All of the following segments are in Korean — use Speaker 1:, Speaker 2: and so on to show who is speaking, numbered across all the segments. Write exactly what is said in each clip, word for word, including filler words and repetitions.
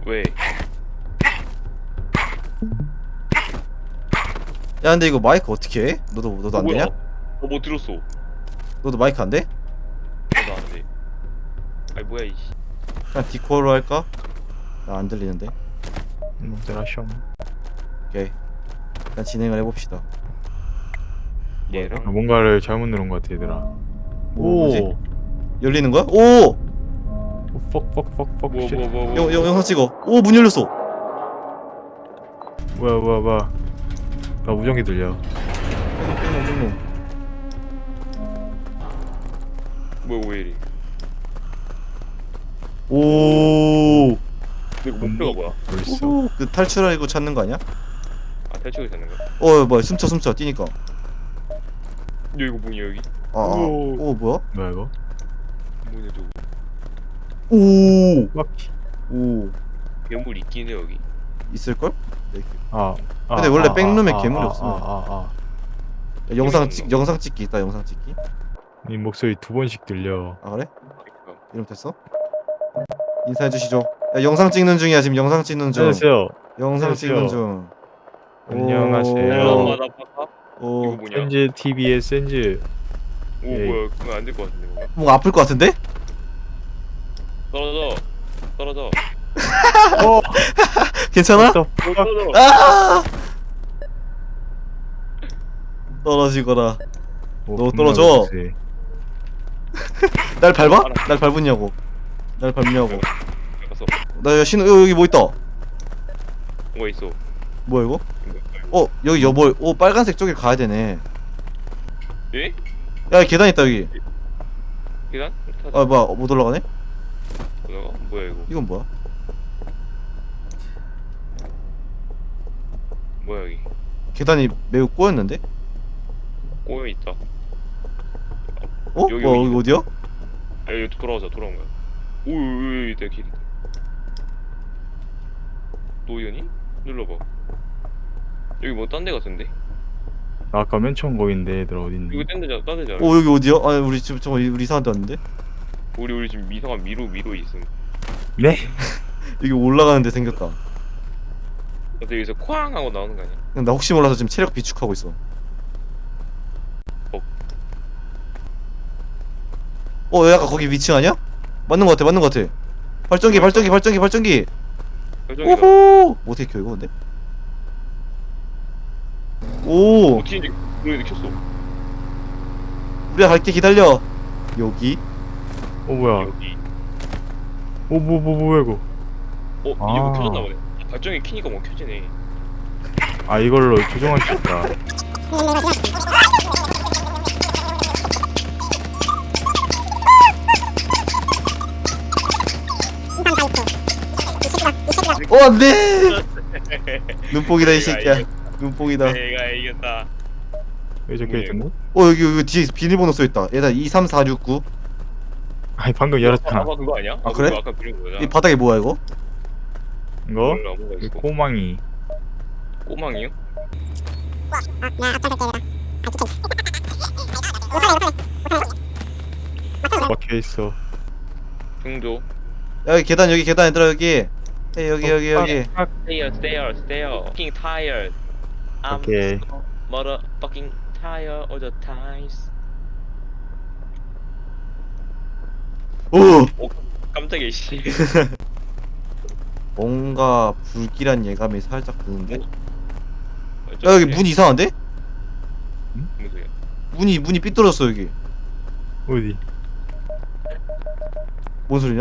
Speaker 1: 왜?
Speaker 2: 야 근데 이거 마이크 어떻게 해? 너도 너도 안
Speaker 1: 뭐야?
Speaker 2: 되냐?
Speaker 1: 너뭐 들었어?
Speaker 2: 너도 마이크 안 돼?
Speaker 1: 나도 안 돼. 아니 뭐야 이씨.
Speaker 2: 그냥 디코로 할까? 나 안 들리는데.
Speaker 3: 뭔들 하셔.
Speaker 2: 오케이. 일단 진행을 해봅시다.
Speaker 1: 얘랑
Speaker 3: 뭔가를 잘못 누른 것 같아 얘들아.
Speaker 2: 뭐, 뭐지?
Speaker 3: 오.
Speaker 2: 열리는 거야? 오!
Speaker 3: 퍽퍽퍽퍽.
Speaker 1: 뭐 뭐 뭐 뭐.
Speaker 2: 영, 영, 영상 찍어. 오, 문 열렸어.
Speaker 3: 뭐야 뭐야 뭐야. 나 무전기 들려.
Speaker 2: 뺑놈, 뺑놈.
Speaker 1: 뭐야 왜 이래?
Speaker 2: 오.
Speaker 1: 근데 이거 목표가 뭐야?
Speaker 3: 벌써.
Speaker 2: 오, 그 탈출하고 찾는 거 아니야?
Speaker 1: 아 탈출이 되는 거야?
Speaker 2: 어, 뭐야? 숨쳐, 숨쳐. 뛰니까.
Speaker 1: 야 이거 뭐냐 여기?
Speaker 2: 아, 아.
Speaker 1: 오.
Speaker 2: 오, 뭐야?
Speaker 3: 뭐야 이거?
Speaker 1: 뭐냐 저거?
Speaker 2: 오.
Speaker 3: 막.
Speaker 2: 오.
Speaker 1: 괴물 있긴 해 여기.
Speaker 2: 있을걸?
Speaker 3: 아. 아,
Speaker 2: 근데 원래
Speaker 3: 아,
Speaker 2: 백룸에
Speaker 3: 아,
Speaker 2: 괴물이
Speaker 3: 아,
Speaker 2: 없어.
Speaker 3: 아, 아, 아.
Speaker 2: 야, 영상 찍, 영상 찍기 있다. 영상 찍기.
Speaker 3: 이 목소리 두 번씩 들려.
Speaker 2: 아, 그래?
Speaker 1: 그러니까.
Speaker 2: 이름 됐어? 인사해 주시죠. 야, 영상 찍는 중이야. 지금 영상 찍는 중.
Speaker 3: 안녕하세요.
Speaker 2: 영상
Speaker 3: 안녕하세요.
Speaker 2: 찍는 중.
Speaker 3: 안녕하세요.
Speaker 1: 헬로
Speaker 2: 오.
Speaker 1: 마다파카? 이거
Speaker 2: 오.
Speaker 1: 뭐냐?
Speaker 3: 센즈 티비의 센즈.
Speaker 1: 오
Speaker 3: 에이.
Speaker 1: 뭐야 그거 안 될 것 같은데 뭔가.
Speaker 2: 뭔가 아플 것 같은데?
Speaker 1: 떨어져. 떨어져.
Speaker 3: 어.
Speaker 2: 괜찮아?
Speaker 3: 또
Speaker 1: 떨어져.
Speaker 2: 아! 떨어지거라. 너 떨어져. 날 밟아? 날 밟았냐고. 날 밟냐고.
Speaker 1: 가서
Speaker 2: 나 신호 여, 여기 뭐 있다.
Speaker 1: 뭐가 있어?
Speaker 2: 뭐야 이거?
Speaker 1: 이거.
Speaker 2: 어 여기 여보. 오 빨간색 쪽에 가야 되네.
Speaker 1: 예?
Speaker 2: 야 계단 있다 여기.
Speaker 1: 계단? 타자.
Speaker 2: 아 뭐야 어, 못 올라가네?
Speaker 1: 올라가? 뭐야 이거?
Speaker 2: 이건 뭐야?
Speaker 1: 뭐야 여기?
Speaker 2: 계단이 매우 꼬였는데?
Speaker 1: 꼬여 있다.
Speaker 2: 어?
Speaker 1: 여기,
Speaker 2: 뭐
Speaker 1: 여기.
Speaker 2: 여기 어디야?
Speaker 1: 아 여기 돌아오자 돌아온 거야. 오오오 내 길. 노연이? 눌러봐. 여기 뭐 딴 데 같은데?
Speaker 3: 나 아까 맨 처음 거긴데 얘들아 어딨니?
Speaker 1: 이거 딴 데잖아 딴 데잖아.
Speaker 2: 어 여기 어디야? 아 우리 지금 저거 우리 이상한 데 왔는데?
Speaker 1: 우리 우리 지금 이상한 미로 미로 있음.
Speaker 3: 네?
Speaker 2: 여기 올라가는 데 생겼다.
Speaker 1: 근데 여기서 쾅 하고 나오는 거 아니야?
Speaker 2: 그냥 나 혹시 몰라서 지금 체력 비축하고 있어.
Speaker 1: 어.
Speaker 2: 어, 약간 거기 위층 아니야? 맞는 거 같아, 맞는 거 같아. 발전기, 발전기, 발전기, 발전기.
Speaker 1: 결정이다.
Speaker 2: 오호. 뭐 어떻게 켜 이거 근데? 오,
Speaker 1: 어떻게 이제 노래 켰어?
Speaker 2: 우리가 갈게 기다려. 여기.
Speaker 3: 어 뭐야?
Speaker 1: 여기.
Speaker 3: 오뭐 뭐 뭐야 이거?
Speaker 1: 어 이제
Speaker 3: 아.
Speaker 1: 뭐 켜졌나 보네. 발전기 키니까 뭐 켜지네.
Speaker 3: 아 이걸로 조정할 수 있다.
Speaker 2: 어, 안 돼. 눈뽕이다 이 새끼야. 눈뽕이다.
Speaker 1: 내가 이겼다.
Speaker 3: 여기 적혀 있던데?
Speaker 2: 어, 여기 여기 뒤에 비밀번호 써 있다. 얘다 이삼사육구.
Speaker 3: 아니 방금 열었잖아.
Speaker 1: 아까 그거 아니야?
Speaker 2: 아, 그래?
Speaker 1: 그거 아까 그린 거잖아.
Speaker 2: 이 바닥에 뭐야 이거?
Speaker 3: 이거?
Speaker 1: 몰라, 뭐가
Speaker 3: 이
Speaker 1: 있어.
Speaker 3: 꼬망이.
Speaker 1: 꼬망이요?
Speaker 3: 박혀 있어.
Speaker 1: 중조.
Speaker 2: 야, 여기 계단 여기 계단 얘들아 여기. 에 여기 여기 여기.
Speaker 1: Stairs, stairs, stairs. Fucking tired. I'm
Speaker 3: 오케이.
Speaker 1: so motherfucking tired all the times.
Speaker 2: 오.
Speaker 1: 오, 깜짝이야 씨.
Speaker 2: 뭔가 불길한 예감이 살짝 드는데? 야
Speaker 1: 야
Speaker 2: 여기 문 이상한데?
Speaker 1: 무슨 소리야?
Speaker 2: 문이 문이 삐뚤어졌어 여기.
Speaker 3: 어디?
Speaker 2: 뭔 소리냐?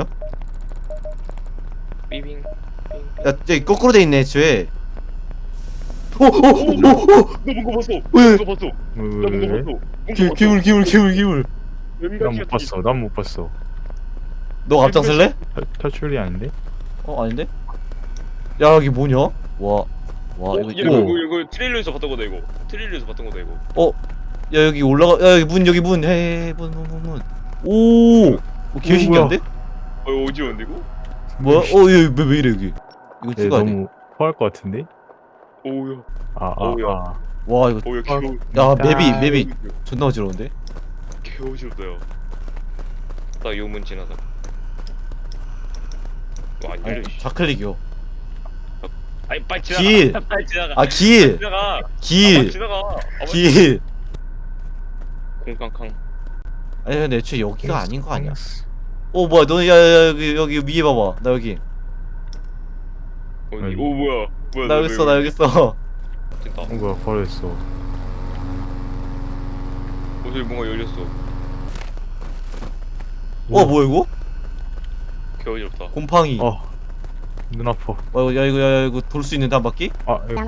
Speaker 1: 삐빙.
Speaker 2: 야 여기 거꾸로 돼 있네 애초에. 오오오오오
Speaker 1: 너 뭔가 봤어.
Speaker 2: 왜?
Speaker 1: 뭔가 봤어. 나 뭔가
Speaker 3: 왜?
Speaker 1: 봤어. 뭔가
Speaker 2: 기울
Speaker 1: 봤어.
Speaker 2: 기울 기울 기울 기울.
Speaker 3: 난 못 봤어. 난 못 봤어.
Speaker 2: 너 앞장설래?
Speaker 3: 탈, 탈출이 아닌데?
Speaker 2: 어 아닌데? 야 여기 뭐냐? 와. 와
Speaker 1: 어,
Speaker 2: 이거
Speaker 1: 야, 이거
Speaker 2: 이거.
Speaker 1: 이거 이거 트레일러에서 봤던 거다 이거. 트레일러에서 봤던 거다 이거.
Speaker 2: 어. 야 여기 올라가. 야 여기 문 여기 문. 헤헤 문 문 문 문. 오. 오 개
Speaker 3: 오,
Speaker 2: 신기한데?
Speaker 1: 어 이거 어지러운데 이거?
Speaker 2: 뭐야? 어얘왜 왜 이래 여기? 이거
Speaker 3: 얘
Speaker 2: 찍어야 돼.
Speaker 3: 너무 포할 것 같은데?
Speaker 1: 오우야.
Speaker 3: 아, 아,
Speaker 1: 어우야.
Speaker 3: 아.
Speaker 2: 와 이거.
Speaker 1: 오우야
Speaker 3: 어,
Speaker 1: 귀여워.
Speaker 2: 야 맵이
Speaker 3: 아,
Speaker 2: 맵이 존나 어지러운데?
Speaker 1: 개 어지럽다 야. 나 요문 지나다. 와, 안 열려.
Speaker 2: 아니
Speaker 1: 씨.
Speaker 2: 좌클릭이요.
Speaker 1: 아니 빨리 지나가.
Speaker 2: 길.
Speaker 1: 빨리 지나가.
Speaker 2: 아, 길.
Speaker 1: 지나가. 아, 빨리
Speaker 2: 길.
Speaker 1: 지나가. 아, 빨리
Speaker 2: 길.
Speaker 1: 콩캉캉.
Speaker 2: 아니 근데 애초에 여기가 아닌 거 아니야? 어 뭐야 너 야야 여기 여기 위에 봐봐 나 여기
Speaker 1: 어디?
Speaker 3: 아니.
Speaker 1: 오 뭐야? 뭐야?
Speaker 2: 나
Speaker 1: 너
Speaker 2: 여기 있어
Speaker 1: 왜
Speaker 2: 나 여기 있어
Speaker 1: 됐다. 어
Speaker 3: 뭔가 버렸어.
Speaker 1: 저기 뭔가 열렸어.
Speaker 2: 어 뭐야 이거?
Speaker 1: 개어지럽다.
Speaker 2: 곰팡이 어,
Speaker 3: 어. 눈 아파.
Speaker 2: 이거 야 이거 야 이거 돌 수 있는데 한 바퀴?
Speaker 3: 아, 이거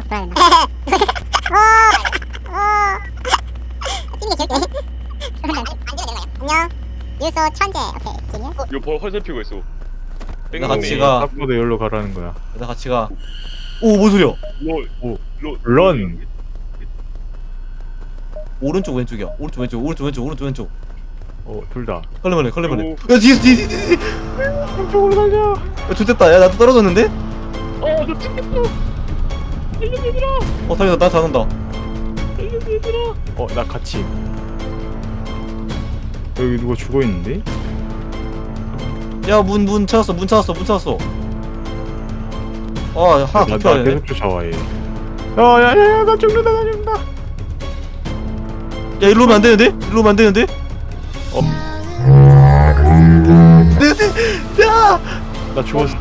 Speaker 4: 안녕. 유소 천재. 오케이. 지니어.
Speaker 1: 이거 벌 헐 살피고 있어.
Speaker 2: 나 같이 가.
Speaker 3: 딱 보도 여기로 가라는 거야.
Speaker 2: 나 같이 가오뭔 소리야
Speaker 1: 롤.
Speaker 3: 오.
Speaker 1: 롤.
Speaker 3: 런.
Speaker 2: 오른쪽 왼쪽이야 오른쪽 왼쪽 오른쪽 왼쪽 오른쪽 왼쪽
Speaker 3: 어, 둘 다.
Speaker 2: 걸레벌레 걸레벌레
Speaker 1: 오.
Speaker 2: 야 뒤에 뒤에 뒤에 뒤에
Speaker 3: 이쪽으로 달려.
Speaker 2: 야 좋됐다 야 나도 떨어졌는데?
Speaker 1: 어, 너 찍혔어. 살려 얘들아.
Speaker 2: 어 다행이다 나 잘한다
Speaker 1: 살려 얘들아.
Speaker 3: 어, 나 같이. 여기 누가 죽어 있는데?
Speaker 2: 야 문 문 찾았어 문 찾았어 문 찾았어 아 하나
Speaker 3: 나,
Speaker 2: 더
Speaker 3: 나
Speaker 2: 켜야 되네
Speaker 3: 계속 쫓아와 얘. 야, 야, 야, 야, 나 죽는다, 나 죽는다.
Speaker 2: 야 일로 오면 안 되는데? 일로 오면 안 되는데? 어. 네, 네, 야!
Speaker 3: 나 죽었어.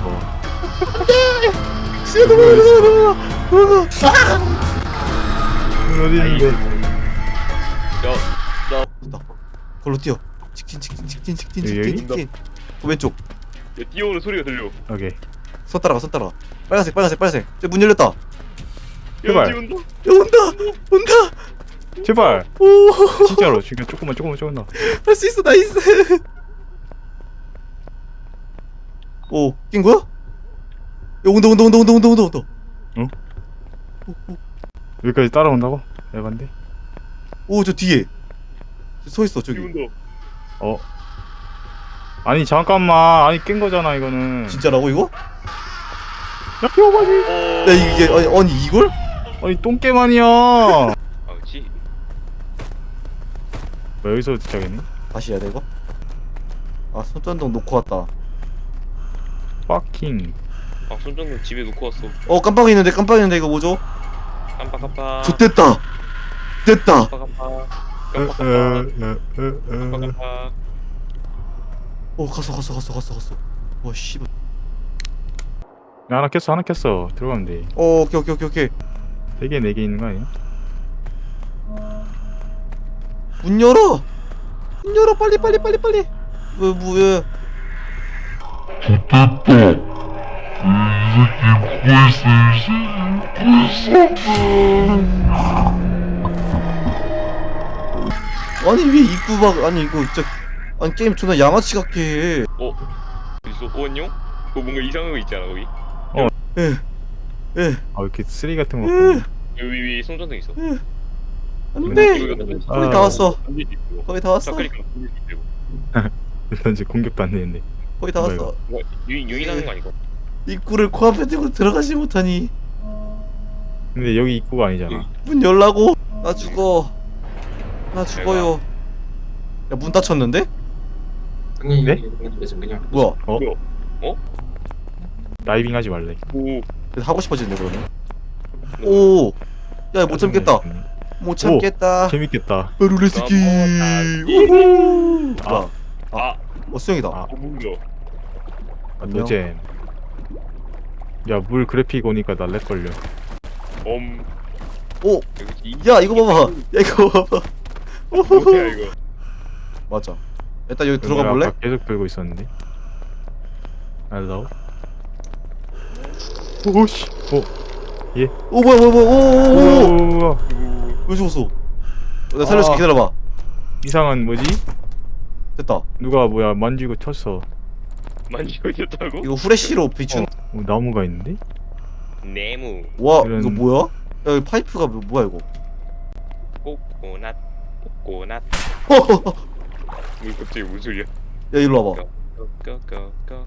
Speaker 2: 씨야 넘어가 넘어가 넘어가 아!
Speaker 3: 눈 어디 있는데?
Speaker 1: 야, 나.
Speaker 2: 됐다 걸로 뛰어 직진 직진 직진 직진
Speaker 3: 여기,
Speaker 2: 직진
Speaker 3: 여기?
Speaker 2: 직진 그 왼쪽
Speaker 1: 야, 뛰어오는 소리가 들려.
Speaker 3: 오케이.
Speaker 2: 손 따라가 손 따라가 빨간색 빨간색 빨간색 저문 열렸다 야
Speaker 3: 제발.
Speaker 1: 야, 지운다.
Speaker 2: 온다 온다
Speaker 3: 제발.
Speaker 2: 오할 수
Speaker 3: 진짜로. 지금 조금만, 조금만, 조금만.
Speaker 2: 있어 나이스 오낀 거야? 야 온다 온다 온다 온다 온다 온다 온다
Speaker 3: 응?
Speaker 2: 오, 오.
Speaker 3: 여기까지 따라온다고? 에반데?
Speaker 2: 오, 저 뒤에 서 있어 저기
Speaker 1: 지운다.
Speaker 3: 어. 아니 잠깐만. 아니 깬 거잖아 이거는.
Speaker 2: 진짜라고 이거?
Speaker 3: 야 피워가지.
Speaker 1: 어.
Speaker 2: 야 이게 아니, 아니 이걸?
Speaker 3: 아니 똥겜 아니야.
Speaker 1: 아, 그렇지.
Speaker 3: 뭐 여기서 시작했니?
Speaker 2: 다시 해야 돼 이거? 아 손전등 놓고 왔다
Speaker 3: 파킹.
Speaker 1: 아, 손전등 집에 놓고 왔어.
Speaker 2: 어 깜빡이 있는데 깜빡이 있는데 이거 뭐죠?
Speaker 1: 깜빡깜빡.
Speaker 2: 좋됐다 됐다
Speaker 1: 깜빡깜빡.
Speaker 3: 에, 에,
Speaker 1: 깜빡깜빡.
Speaker 3: 에, 에, 에.
Speaker 1: 깜빡깜빡.
Speaker 2: 어 갔어 갔어 갔어 갔어 갔어 와 씨발
Speaker 3: 야, 하나 켰어 하나 켰어. 들어가면 돼.
Speaker 2: 어 오케이 오케이 오케이 오케이
Speaker 3: 네 개 네 개 있는 거 아니야?
Speaker 2: 문 열어 문 열어 빨리 빨리 빨리 빨리 왜 뭐야 아니 왜 입구 막 아니 이거 진짜 아니 게임 존나 양아치 같게 해
Speaker 1: 어? 어딨어? 어, 안녕? 그거 뭔가 이상한 거 있잖아, 거기.
Speaker 2: 에, 에,
Speaker 3: 아 이렇게 쓰레기 같은 거.
Speaker 2: 에,
Speaker 1: 여기 위에 손전등 있어.
Speaker 2: 안돼
Speaker 1: 이거 던질 수 있어.
Speaker 2: 거의 다 왔어
Speaker 1: 던질 수 있어.
Speaker 2: 거의 다 왔어
Speaker 1: 샤크리카 던질 수 있고.
Speaker 3: 일단 이제 공격도 안 되는데.
Speaker 2: 거의 다
Speaker 3: 뭐야,
Speaker 2: 왔어
Speaker 1: 뭐, 유인, 유인하는 거 아니고?
Speaker 2: 입구를 코앞에 대고 들어가지 못하니
Speaker 3: 근데 여기 입구가 아니잖아.
Speaker 2: 문 열라고 나 죽어 나 죽어요 야 문 닫혔는데?
Speaker 3: 네?
Speaker 2: 뭐야
Speaker 3: 어?
Speaker 1: 어?
Speaker 3: 다이빙 하지 말래.
Speaker 1: 오.
Speaker 2: 하고 싶어지네 그러면 오 야 못 참겠다 못 참겠다
Speaker 3: 재밌겠다.
Speaker 2: 룰레스키
Speaker 1: 넘어가기.
Speaker 2: 우후
Speaker 3: 아.
Speaker 2: 뭐야
Speaker 1: 아,
Speaker 2: 어 수영이다
Speaker 3: 아.
Speaker 1: 어, 뭐야?
Speaker 3: 아, 노잼. 야, 물 그래픽 오니까 나 렉 걸려.
Speaker 1: 엄.
Speaker 2: 오!
Speaker 1: 여기
Speaker 2: 야 이거 봐봐 야 이거 봐봐
Speaker 1: 뭐야, 이거?
Speaker 2: 맞아 일단 여기 들어가 볼래?
Speaker 3: 아까 계속 들고 있었는데. 알로. 오씨. 오.
Speaker 2: 오 뭐야 뭐야 뭐야 오오오오
Speaker 3: 오.
Speaker 2: 왜 죽었어 나 살려줄게
Speaker 3: 아.
Speaker 2: 기다려봐
Speaker 3: 이상한 뭐지?
Speaker 2: 됐다
Speaker 3: 누가 뭐야 만지고 쳤어.
Speaker 1: 만지고 있었다고?
Speaker 2: 이거 후레쉬로 비춘
Speaker 3: 어, 나무가 있는데?
Speaker 1: 네모.
Speaker 2: 와
Speaker 3: 이런-
Speaker 2: 이거 뭐야? 야 여기 파이프가 뭐, 뭐야 이거
Speaker 1: 꼬꼬낫. 꼬꼬낫.
Speaker 2: 허허허.
Speaker 1: 뭐 갑자기 무슨 소리야?
Speaker 2: 야 일로 와봐
Speaker 1: 꺼꺼꺼꺼.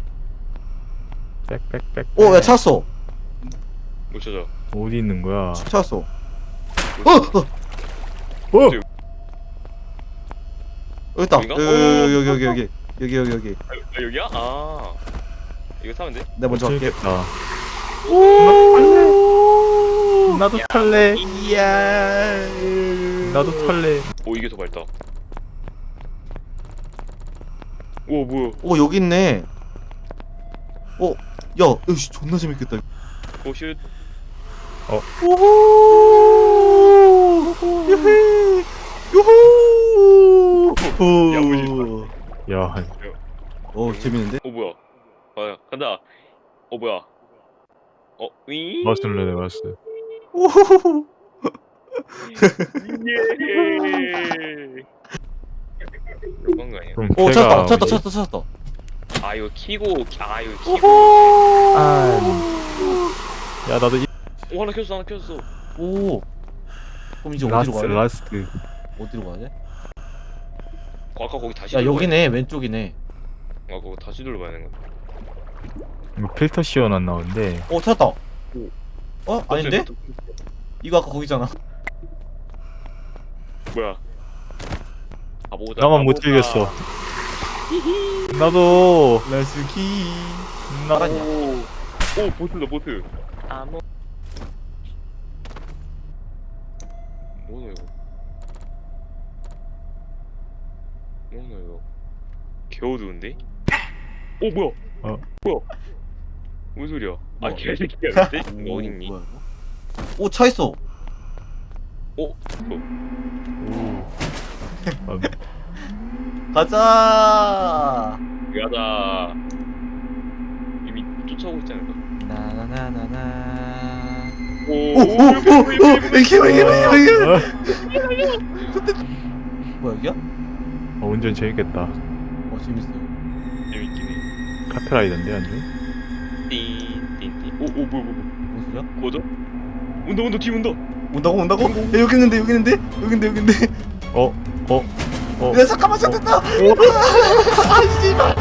Speaker 3: 빽빽빽.
Speaker 2: 어야 찾았어
Speaker 1: 못 찾아.
Speaker 3: 어디 있는 거야?
Speaker 2: 찾았어 어!
Speaker 1: 못
Speaker 2: 어!
Speaker 3: 어!
Speaker 2: 여기 있다
Speaker 1: 여기가?
Speaker 2: 여기 여기 여기 여기 여기 여기 여기
Speaker 1: 찾아. 아, 여기야? 아. 이거 사면 돼?
Speaker 2: 내가 먼저 갈게
Speaker 3: 재밌겠다. 나도 탈래.
Speaker 2: 이야.
Speaker 3: 나도 탈래.
Speaker 1: 오 이게 더 밝다. 오 뭐야?
Speaker 2: 오 여기 있네. 어, 야, 역시 존나 재밌겠다.
Speaker 1: 오슛.
Speaker 2: 오호. 유헤. 유후.
Speaker 1: 야무지다.
Speaker 3: 야,
Speaker 2: 어 재밌는데?
Speaker 1: 오 뭐야? 아 간다. 어 뭐야? 어 위.
Speaker 3: 맞을래, 맞았어.
Speaker 2: 오호호호.
Speaker 1: 예. 이런 거 아니야?
Speaker 3: 그럼
Speaker 2: 오
Speaker 3: 걔가
Speaker 2: 찾았다, 찾았다,
Speaker 3: 뭐지?
Speaker 2: 찾았다, 찾았다.
Speaker 1: 아 이거 키고 아 이거 키고.
Speaker 2: 오호.
Speaker 3: 아, 야, 나도 이
Speaker 1: 오 하나 켰어 하나 켰어.
Speaker 2: 오. 그럼 이제 어디로
Speaker 3: 라스트,
Speaker 2: 가야 돼?
Speaker 3: 라스트.
Speaker 2: 어디로 가야 돼?
Speaker 1: 어, 아까 거기 다시.
Speaker 2: 야
Speaker 1: 눌러봐야
Speaker 2: 여기네, 왼쪽이네.
Speaker 1: 돼. 아 그거 다시 눌러봐야 되는 거.
Speaker 3: 이거 필터 시원 안 나오는데.
Speaker 2: 어 찾았다. 어 아닌데?
Speaker 1: 또-
Speaker 2: 이거 아까 거기잖아.
Speaker 1: 뭐야? 바보다.
Speaker 3: 나만 못
Speaker 1: 바보다.
Speaker 3: 즐겼어. 나도.
Speaker 2: 라스키.
Speaker 3: 나.
Speaker 2: 알았냐?
Speaker 1: 오, 오 보트다 보트. 아무. 뭐야 이거? 뭐야 이거? 개어두운데? 오 뭐야?
Speaker 3: 어.
Speaker 1: 뭐야? 무슨 소리야? 아
Speaker 2: 뭐?
Speaker 1: 개새끼야 근데? 이거 어딨니?
Speaker 2: 뭐야 이거? 오 차 있어.
Speaker 1: 오? 어.
Speaker 3: 오. 아,
Speaker 2: 가자.
Speaker 1: 야다. 이미 쫓아오고 있지 않을까?
Speaker 2: 나나나나나.
Speaker 1: 오,
Speaker 2: 오오오오 이게 뭐야 이게 뭐야 이게 뭐야.
Speaker 3: 어?
Speaker 2: 뭐야 여기야?
Speaker 3: 어, 운전 재밌겠다.
Speaker 2: 어 재밌어.
Speaker 1: 재밌긴 해.
Speaker 3: 카페라이던데 완전.
Speaker 1: 띵띵띵. 오, 오 뭐야 뭐야 뭐야.
Speaker 2: 뭔 소리야?
Speaker 1: 거저? 온다 온다 뒤 온다.
Speaker 2: 온다고 온다고? 야 여기 있는데 여기 있는데 여기 있는데 여기 있는데.
Speaker 3: 어, 어, 어.
Speaker 2: 야 잠깐만 잡혔다. 아 씨발.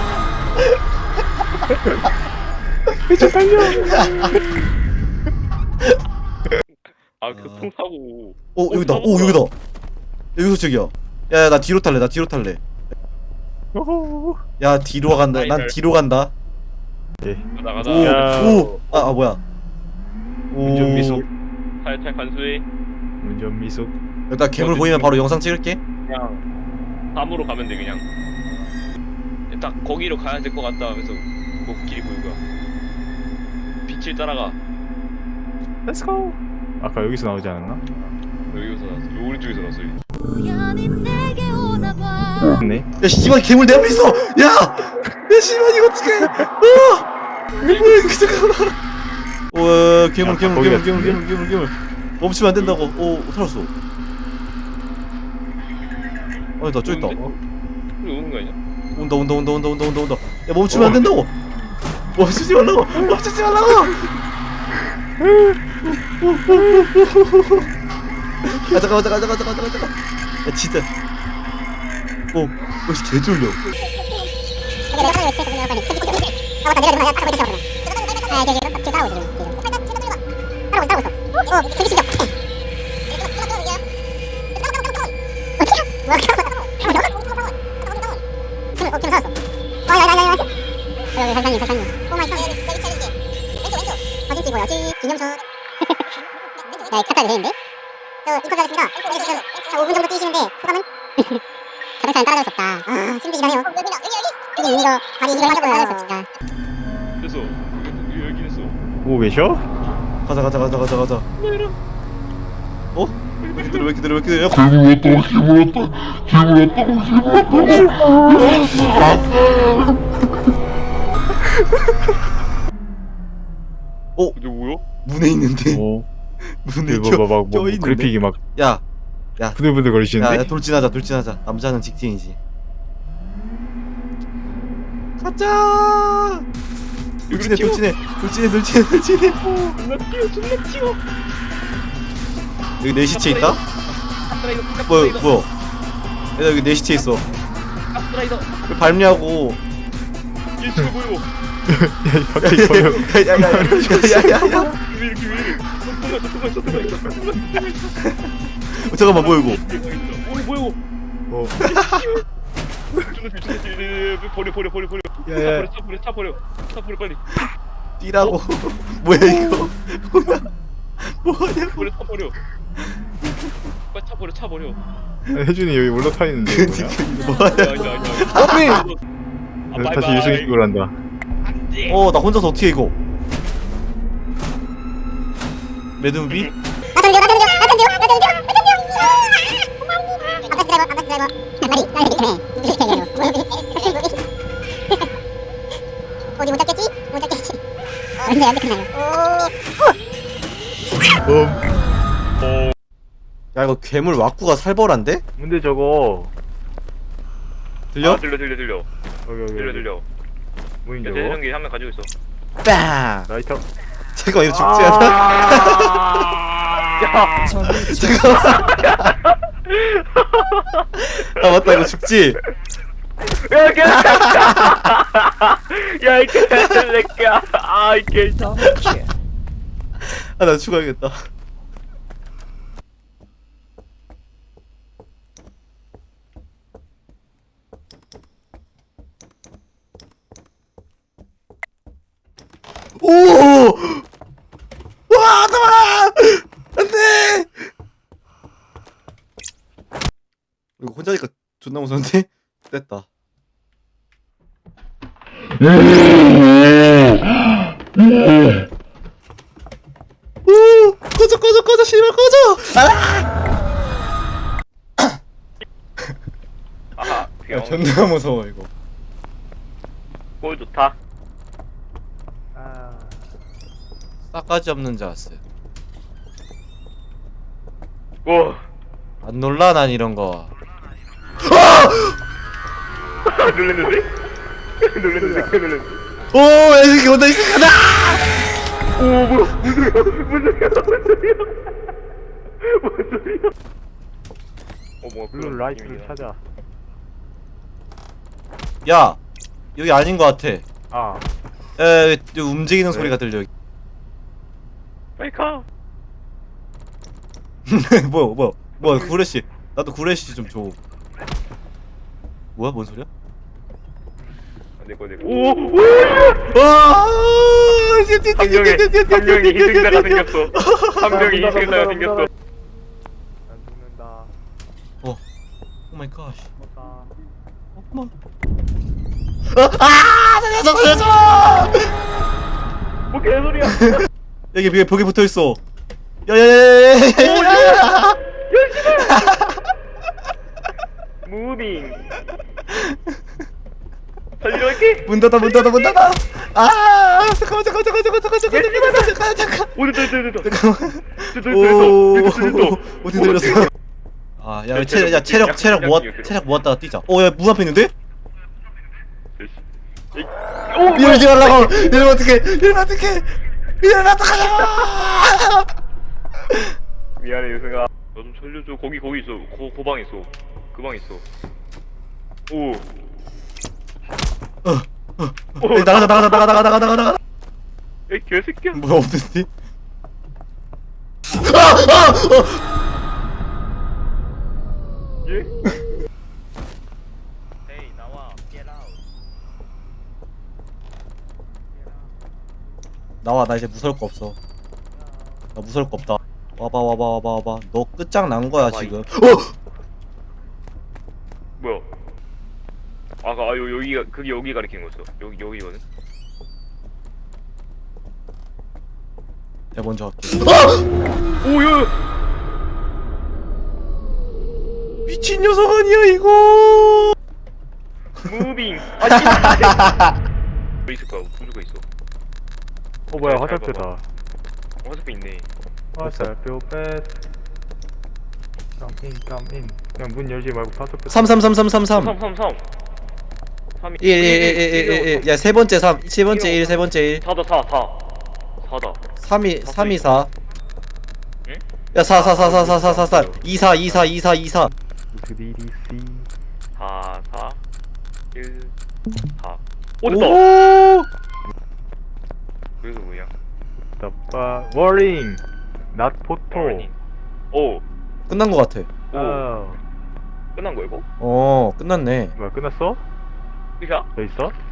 Speaker 3: 이제 달려.
Speaker 1: 아 교통사고.
Speaker 2: 오 여기다. 오 여기다. 여기서 저기야. 야 나 뒤로 탈래. 나 뒤로 탈래.
Speaker 3: 오호.
Speaker 2: 야 뒤로 간다. 난 뒤로 간다.
Speaker 3: 예.
Speaker 1: 가다 가다.
Speaker 2: 오,
Speaker 3: 야.
Speaker 2: 오, 아, 아 뭐야? 오,
Speaker 3: 운전 미숙.
Speaker 1: 살짝 간수해.
Speaker 3: 운전 미숙.
Speaker 2: 일단 괴물 보이면 바로 영상 찍을게.
Speaker 1: 그냥 밤으로 가면 돼 그냥. 딱 거기로 가야 될 것 같다 하면서 뭐 길이 보이고요. 빛을 따라가.
Speaker 3: Let's go. 아까 여기서 나오지 않았나?
Speaker 1: 여기서 나왔어. 요 오른쪽에서 나왔어. 여기.
Speaker 3: 네.
Speaker 2: 야 씨발 괴물 내 앞에 있어. 야, 야 씨발 이거 어떡해? 어, 뭐야 이거 잠깐만. 와 괴물
Speaker 3: 야,
Speaker 2: 괴물
Speaker 3: 거기
Speaker 2: 괴물 괴물
Speaker 3: 같은데?
Speaker 2: 괴물 괴물 괴물. 멈추면 안 된다고. 오 살았어. 아니 나 저기 있다.
Speaker 1: 오는데? 여기 오는 거 아니야?
Speaker 2: 온다 온다 온다 온다 온다 온다 온다. 야 멈추면 안 된다고. 멈추지 말라고. 멈추지 말라고. 아 잠깐만 잠깐만 잠깐만 잠깐만 잠깐만. 야 진짜. 오, 역시 개 졸려.
Speaker 4: 네, 카타가 되는데? 저 입학하겠습니다. 지금 한 오 분 정도 뛰시는데 소감은? 자동차는 따라갈 수 없다. 아, 힘드시다네요. 여기, 여기, 여기. 여기 이거 발이 이걸 하셔 따라갈 수 없다.
Speaker 1: 됐어. 여기 여기 됐어.
Speaker 3: 오 계셔?
Speaker 2: 가자 가자 가자 가자 가자. 어? 왜 이렇게 들어 왜 이렇게 들어 왜 이렇게 들어? 야, 어?
Speaker 1: 이게 뭐야?
Speaker 2: 문에 있는데.
Speaker 3: 오.
Speaker 2: 문에
Speaker 3: 이거
Speaker 2: 껴,
Speaker 3: 봐봐 뭐,
Speaker 2: 껴
Speaker 3: 뭐
Speaker 2: 있는데.
Speaker 3: 그래픽이 막
Speaker 2: 야,
Speaker 3: 부들부들
Speaker 2: 야,
Speaker 3: 거리시는데?
Speaker 2: 야 돌진하자 돌진하자. 남자는 직진이지. 가자. 돌진해
Speaker 1: 튀어.
Speaker 2: 돌진해 돌진해 돌진해 돌진해.
Speaker 1: 존나 튀어 존나 튀어.
Speaker 2: 여기 내 시체 있다?
Speaker 1: 가스라이더
Speaker 2: 뭐야
Speaker 1: 가스라이더.
Speaker 2: 뭐야? 야 여기 내 시체 있어.
Speaker 1: 가스라이더.
Speaker 2: 왜 밟냐고.
Speaker 1: 얘 지금 보여.
Speaker 3: 야 갑자기 보여.
Speaker 2: 야야야야야야야.
Speaker 1: 왜 이렇게 왜 이래? 통과 통과 통과 통과.
Speaker 2: 잠깐만 뭐야 이거?
Speaker 1: 오 뭐야 이거?
Speaker 3: 어.
Speaker 1: 존나 튀어 존나 튀어. 버려 버려 버려 버려. 차
Speaker 3: 야야.
Speaker 1: 버려 차 버려 차 버려 차 버려 빨리.
Speaker 2: 뛰라고. 뭐야 이거? 뭐야? 뭐하냐고?
Speaker 1: 버려 타버려. 빨리 타버려 타버려.
Speaker 3: 아니, 혜준이 여기 올라타 있는데
Speaker 2: 그니까
Speaker 3: 뭐야?
Speaker 2: 이거 뭐하냐?
Speaker 1: 아니 아니 아니. 아,
Speaker 3: 다시
Speaker 1: 바이바이.
Speaker 3: 유승식으로 한다.
Speaker 1: 안돼.
Speaker 2: 어 나 혼자서 어떻게 해, 이거? 매드무비?
Speaker 4: 나 던져 나 던져 나 던져 나 던져 나 던져 아빠 드라이버 아빠 드라이버 빨리 빨리 그래 어디 못 잡겠지? 못 잡겠지 언제 언제 끝나요?
Speaker 3: 음.
Speaker 2: 야 이거 괴물 왁구가 살벌한데?
Speaker 3: 근데 저거
Speaker 2: 들려?
Speaker 1: 아, 들려 들려 들려.
Speaker 3: 여기 여기
Speaker 1: 들려 들려.
Speaker 3: 뭐인
Speaker 1: 내
Speaker 3: 저거?
Speaker 1: 재생기 한 명 가지고 있어.
Speaker 2: 빵!
Speaker 3: 라이터.
Speaker 2: 잠깐만 이거 죽지 않아?
Speaker 1: 야.
Speaker 2: 잠깐만. 아 맞다 이거 죽지?
Speaker 1: 야, 개. 야, 이 개새끼야. 아, 이 개.
Speaker 2: 아 나 죽어야겠다. 오! 와, 나와! 안 돼! 이거 혼자니까 존나 무서운데? 됐다. 오! 꺼져, 꺼져, 꺼져, 씨발, 꺼져! 아!
Speaker 1: 아하.
Speaker 2: 야,
Speaker 1: 병.
Speaker 2: 존나 무서워, 이거.
Speaker 1: 꼴 좋다.
Speaker 2: 싸가지 없는 자스.
Speaker 1: 오.
Speaker 2: 안 놀라, 난 이런 거.
Speaker 1: 놀랬는데? 놀랬는데? 놀랬는데?
Speaker 2: 오, 야, 이 새끼 온다, 이 새끼 온다!
Speaker 1: 오, 뭐야? 무슨 소리야? 무슨 소리야? 무슨 소리야? 무슨 소리야? 어, 뭐
Speaker 3: 블루 라이트를 찾아.
Speaker 2: 야, 여기 아닌 것 같아.
Speaker 3: 아.
Speaker 2: 에, 움직이는
Speaker 3: 왜?
Speaker 2: 소리가 들려.
Speaker 1: 빨리 가.
Speaker 2: 뭐야, 뭐야, 뭐야, 구레시. 나도 구레시 좀 줘. 뭐야, 뭔 소리야?
Speaker 1: 내거 내거. 오, 오.
Speaker 2: 와!
Speaker 1: 한 명이 한 명이 희생자가 생겼어. 한 명이 희생자가 생겼어.
Speaker 3: 안 죽는다.
Speaker 2: 오 마이 갓.
Speaker 3: 죽었다.
Speaker 2: 엄마. 아! 살려줘, 살려줘!
Speaker 1: 뭐 개소리야?
Speaker 2: 여기 벽에 벽에 붙어 있어. 야야야야야야야!
Speaker 1: 무빙. 살리러 갈게.
Speaker 2: 문 닫아, 문 닫아, 문 닫아. 아! 잠깐만, 잠깐만, 잠깐만, 잠깐만, 잠깐만, 잠깐만, 잠깐만, 잠깐.
Speaker 1: 오늘 됐다 됐다 됐다.
Speaker 2: 잠깐만.
Speaker 1: 됐다
Speaker 2: 오,
Speaker 1: 됐다 됐다.
Speaker 2: 어디 들렸어? 아, 야, 체력, 야, 체력, 체력 모았, 체력 모았다가 뛰자. 어, 야, 문 앞에 있는데?
Speaker 1: 오,
Speaker 2: 이러지 말라고. 이러면 어떡해? 이러면 어떡해? 이러면 어떡하냐고!
Speaker 1: 미안해 유승아. 나 좀 살려줘. 거기 거기 있어. 고 고방 있어. 그 방 있어. 오.
Speaker 2: 어, 어, 어. 야, 나가자, 나가자, 나가, 나가, 나가, 나가, 나가.
Speaker 1: 에 개새끼야.
Speaker 2: 뭐야, 없는데? 아, 아, 어.
Speaker 1: 예? 에이 나와. Get out.
Speaker 2: 나와, 나 이제 무서울 거 없어. 나 무서울 거 없다. 와봐, 와봐, 와봐, 와봐. 너 끝장 난 거야
Speaker 1: 와봐,
Speaker 2: 지금. 어!
Speaker 1: 뭐야? 아까 아, 요 여기가 그게 여기 가리키는 거였어. 여기 여기거든.
Speaker 2: 내가 먼저 할게.
Speaker 1: 오야.
Speaker 2: 미친 녀석 아니야 이거?
Speaker 1: 무빙. 아 진짜. 뭐 있을까? 분수가 있어.
Speaker 3: 어 뭐야
Speaker 1: 잘
Speaker 3: 화살표다.
Speaker 1: 화살표 있네.
Speaker 3: 화살표 뺏. 깜인 깜인. 그냥 문 열지 말고 화살표.
Speaker 2: 삼 삼 삼 삼 삼 삼.
Speaker 1: 삼 삼 삼. 삼.
Speaker 2: 일 일 일 일 일 일. 야, 세 번째 삼, 세 번째 일, 세 번째 일.
Speaker 1: 사다 사 사. 사다.
Speaker 2: 삼 이 삼 이 사.
Speaker 1: 응?
Speaker 2: 야, 사 사 사 사 사 사 사 사. 이 사 이 사 이 사 이 사.
Speaker 3: 디디시.
Speaker 1: 사 사. 일 사. 오 됐다.
Speaker 2: 오!
Speaker 1: 그래서 뭐야?
Speaker 3: 따빠 워링. not photo.
Speaker 1: 오.
Speaker 2: 끝난 거 같아.
Speaker 1: 오.
Speaker 3: 어.
Speaker 1: 끝난 거야 이거?
Speaker 2: 어, 끝났네.
Speaker 3: 뭐야 끝났어?
Speaker 1: 끝이야?
Speaker 3: 더 있어?